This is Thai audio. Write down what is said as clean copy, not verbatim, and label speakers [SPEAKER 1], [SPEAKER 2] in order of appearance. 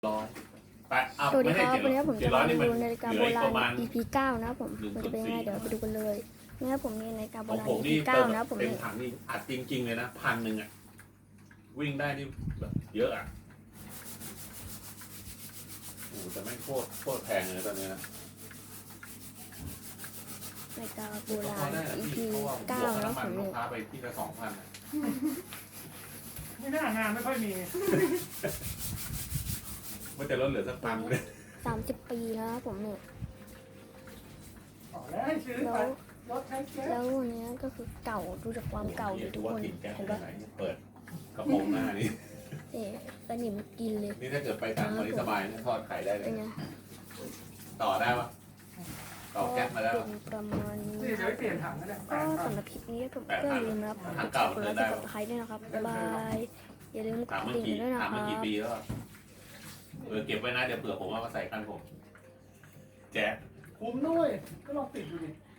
[SPEAKER 1] ร้อยไปเอา
[SPEAKER 2] สวัสดี
[SPEAKER 1] ไม่
[SPEAKER 2] ค
[SPEAKER 1] ให้
[SPEAKER 2] รับ
[SPEAKER 1] เจ็ด
[SPEAKER 2] วันนี้ผม
[SPEAKER 1] เจ็
[SPEAKER 2] จะ
[SPEAKER 1] ดร้อย
[SPEAKER 2] มา
[SPEAKER 1] นี่มัน
[SPEAKER 2] ดูนาฬิกา
[SPEAKER 1] เห
[SPEAKER 2] โบ
[SPEAKER 1] ลืออีก
[SPEAKER 2] รา
[SPEAKER 1] ป
[SPEAKER 2] ณ
[SPEAKER 1] ระมาณ
[SPEAKER 2] EP 9นะครับผมมันจะเป็นยังไงเดี๋ยวไปดูกันเลยนะครับผมมีนาฬิกาโบ
[SPEAKER 1] ของ
[SPEAKER 2] ราณ
[SPEAKER 1] ผม
[SPEAKER 2] EP
[SPEAKER 1] นี่
[SPEAKER 2] 9นะครับผม
[SPEAKER 1] เต็ม
[SPEAKER 2] นี่
[SPEAKER 1] ถังนี่อัดจริงๆเลยนะ1,000อ่ะวิ่งได้นี่แบบเยอะอ่ะโอ้แต่ไม่โคตรแพงเลยตอนนี้นะ
[SPEAKER 2] นาฬิกาโบ
[SPEAKER 1] ก็
[SPEAKER 2] รา
[SPEAKER 1] พอ
[SPEAKER 2] ณ
[SPEAKER 1] ได้นะ
[SPEAKER 2] EP
[SPEAKER 1] พี่เพราะว่าผมบวก
[SPEAKER 2] 9
[SPEAKER 1] ค่า
[SPEAKER 2] นะ
[SPEAKER 1] น้ำ
[SPEAKER 2] ผ
[SPEAKER 1] มัน
[SPEAKER 2] ม
[SPEAKER 1] ลู
[SPEAKER 2] นี่
[SPEAKER 1] กค้าไปที่ละ2,000อะ
[SPEAKER 3] ไม่น่างานไม่ค่อยมี
[SPEAKER 1] ว่าจะลดเหลือสัก1,000เลย
[SPEAKER 2] 30 ปีแล้วครับผมนี่
[SPEAKER 3] ขอแล้วให้ซื้อ
[SPEAKER 2] แล้
[SPEAKER 3] ไป
[SPEAKER 2] ว
[SPEAKER 3] รถใช้แก๊ส
[SPEAKER 2] แล้ววันนี้ก็คือเก่าดูจากความเก่าดิทุกคน
[SPEAKER 1] ว่ากินแก๊ส
[SPEAKER 2] เห็น
[SPEAKER 1] ไป
[SPEAKER 2] ปะ
[SPEAKER 1] ไหนเปิดกระโปรงหน้านี่
[SPEAKER 2] เอ๊ะสนิมกินเลย
[SPEAKER 1] นี่ถ้าเกิดไปต่างประเทศสบายนะทอดไข่ได้เล
[SPEAKER 2] เป็
[SPEAKER 1] ย
[SPEAKER 2] นไง
[SPEAKER 1] ต่อได้ปะต่อแก๊สมาได้
[SPEAKER 2] เป็
[SPEAKER 1] ปะ
[SPEAKER 2] นประมาณนี้
[SPEAKER 3] นี่
[SPEAKER 2] ค
[SPEAKER 3] เดี๋ย
[SPEAKER 2] รั
[SPEAKER 3] ว
[SPEAKER 2] บ
[SPEAKER 3] ไปเปลี่ยนถังก็ได้
[SPEAKER 2] ก็สำหรับคลิปนี้ผมก็อย่าลืมนะครับกดไลค์กดใครด้วยนะครับบ๊ายบายอย่าลืมก
[SPEAKER 1] ถาม
[SPEAKER 2] ด
[SPEAKER 1] เมื่
[SPEAKER 2] ติ่
[SPEAKER 1] อง กี้
[SPEAKER 2] ด้วยนะ
[SPEAKER 1] ถาม
[SPEAKER 2] ค
[SPEAKER 1] เมื่อ
[SPEAKER 2] รั
[SPEAKER 1] กี่
[SPEAKER 2] บ
[SPEAKER 1] ปีแล้วอะเก็บไว้นะเดี๋ยวเผื่อผมเอามาใส่กันผมแจ๊ะ
[SPEAKER 3] คุ้มด้วยก็ลองติดดูดิ